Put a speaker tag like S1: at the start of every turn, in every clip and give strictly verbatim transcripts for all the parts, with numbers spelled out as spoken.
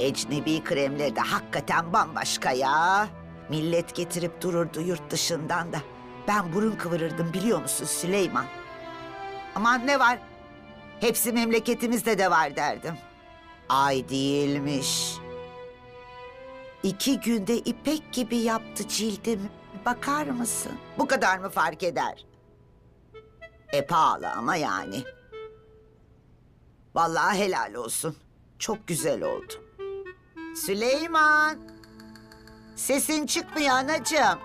S1: ecnebi kremleri de hakikaten bambaşka ya. Millet getirip dururdu yurt dışından da. Ben burun kıvırırdım biliyor musun Süleyman? Aman ne var? Hepsi memleketimizde de var derdim. Ay değilmiş. İki günde ipek gibi yaptı cildim. Bakar mısın? Bu kadar mı fark eder? E pahalı ama yani. Vallahi helal olsun. Çok güzel oldu. Süleyman. Sesin çıkmıyor anacığım.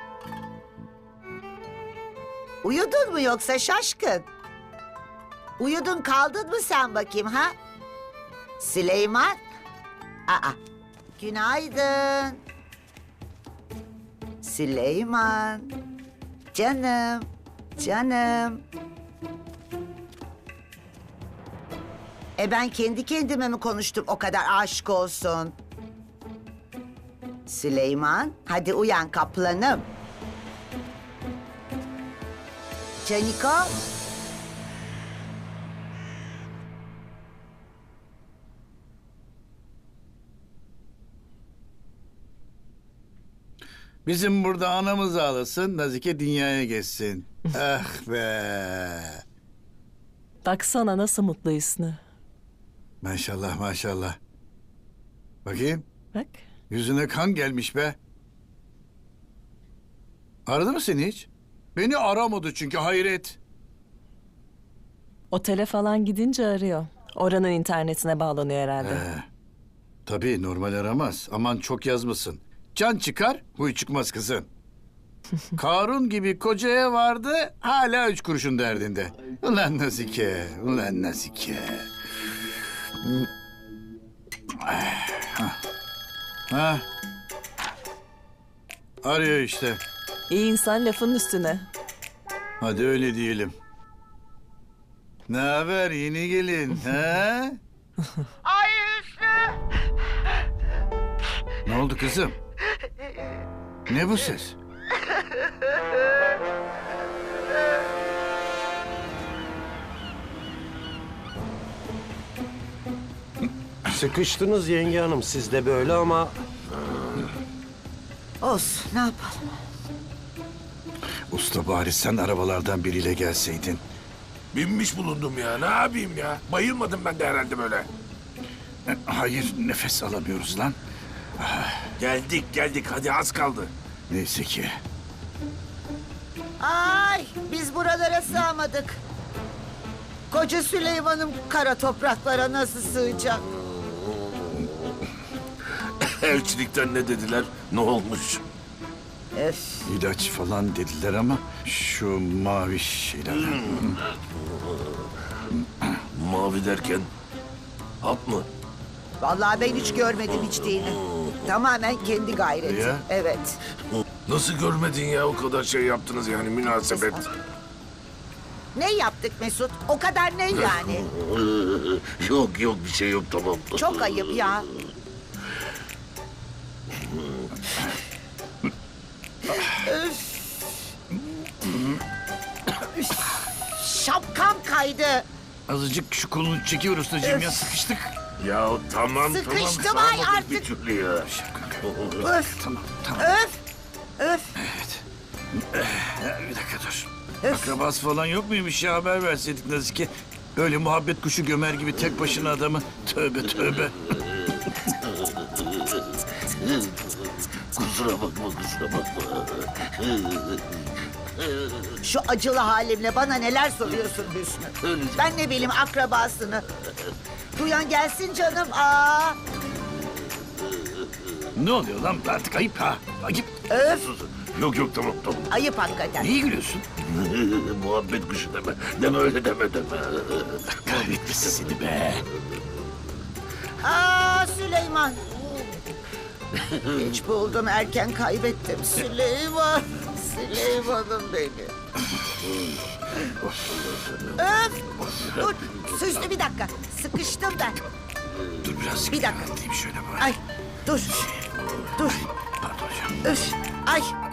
S1: Uyudun mu yoksa şaşkın? Uyudun kaldın mı sen bakayım ha? Süleyman. Aa, günaydın. Süleyman. Canım, canım. E ben kendi kendime mi konuştum o kadar aşk olsun? Süleyman, hadi uyan kaplanım. Caniko.
S2: Bizim burada anamız ağlasın, Nazike dünyaya geçsin. Ah be.
S3: Baksana nasıl mutlu Hüsnü.
S2: Maşallah maşallah. Bakayım,
S3: Bak.
S2: yüzüne kan gelmiş be. Aradı mı seni hiç? Beni aramadı çünkü hayret.
S3: Otele falan gidince arıyor. Oranın internetine bağlanıyor herhalde.
S2: Ee, tabii normal aramaz. Aman çok yazmasın. Can çıkar, huy çıkmaz kızım. Karun gibi kocaya vardı, hala üç kuruşun derdinde. Ulan Nazike, ulan Nazike. Ha. Arıyor işte.
S3: İyi insan lafın üstüne.
S2: Hadi öyle diyelim. Ne haber yeni gelin, ha?
S1: Ay Hüsnü.
S2: Ne oldu kızım? Ne bu ses?
S4: Sıkıştınız yenge hanım siz de böyle ama...
S1: Olsun ne yapalım?
S2: Usta bari sen arabalardan biriyle gelseydin.
S5: Binmiş bulundum ya. Ne yapayım ya? Bayılmadım ben de herhalde böyle.
S2: E, Hayır, nefes alamıyoruz lan.
S5: Geldik geldik. Hadi az kaldı.
S2: Neyse ki.
S1: Ay biz buralara sığamadık. Koca Süleyman'ım kara topraklara nasıl sığacak?
S5: Elçilikten ne dediler? Ne olmuş?
S1: Öf.
S2: İlaç falan dediler ama şu mavi şeyler.
S5: Mavi derken hap mı?
S1: Vallahi ben hiç görmedim içtiğini. Tamamen kendi gayreti.
S2: Ya.
S1: Evet.
S5: Nasıl görmedin ya? O kadar şey yaptınız yani münasebet.
S1: Ne yaptık Mesut? O kadar ne yani?
S5: Yok yok bir şey yok tamam.
S1: Çok ayıp ya. Öf. Üf. Şapkam kaydı.
S2: Azıcık şu kolunu çekiyor ustacığım ya, sıkıştık.
S5: Ya tamam
S1: Sıkıştım
S5: tamam.
S1: ay
S5: sağmadık
S1: artık.
S5: bir türlü ya.
S1: Öf.
S2: Tamam tamam.
S1: Öf. Öf.
S2: Evet. Eh, Bir dakika dur.
S1: Öf.
S2: Akrabası falan yok muymuş ya, haber verseydik Nazike. Öyle muhabbet kuşu gömer gibi tek başına adamı. Tövbe tövbe.
S5: Kusura bakma kusura bakma.
S1: Şu acılı halimle bana neler soruyorsun Hüsnü? Ben ne bileyim akrabasını. Duyan gelsin canım. Aa.
S2: Ne oluyor lan artık, ayıp ha. Ayıp.
S1: Öf.
S5: Yok yok tamam tamam.
S1: Ayıp hakikaten.
S2: Niye gülüyorsun?
S5: Muhabbet kuşu deme. Deme öyle deme deme.
S2: Kahretmesin seni be.
S1: Aa Süleyman. Geç buldum erken kaybettim Süleyman. Süleyman'ım benim. Öf. Dur Hüsnü bir dakika. Sıkıştım ben.
S2: Dur biraz.
S1: Bir dakika.
S2: Atlayayım şöyle bari.
S1: Ay dur. Dur.
S2: Pardon hocam.
S1: Öf. Ay.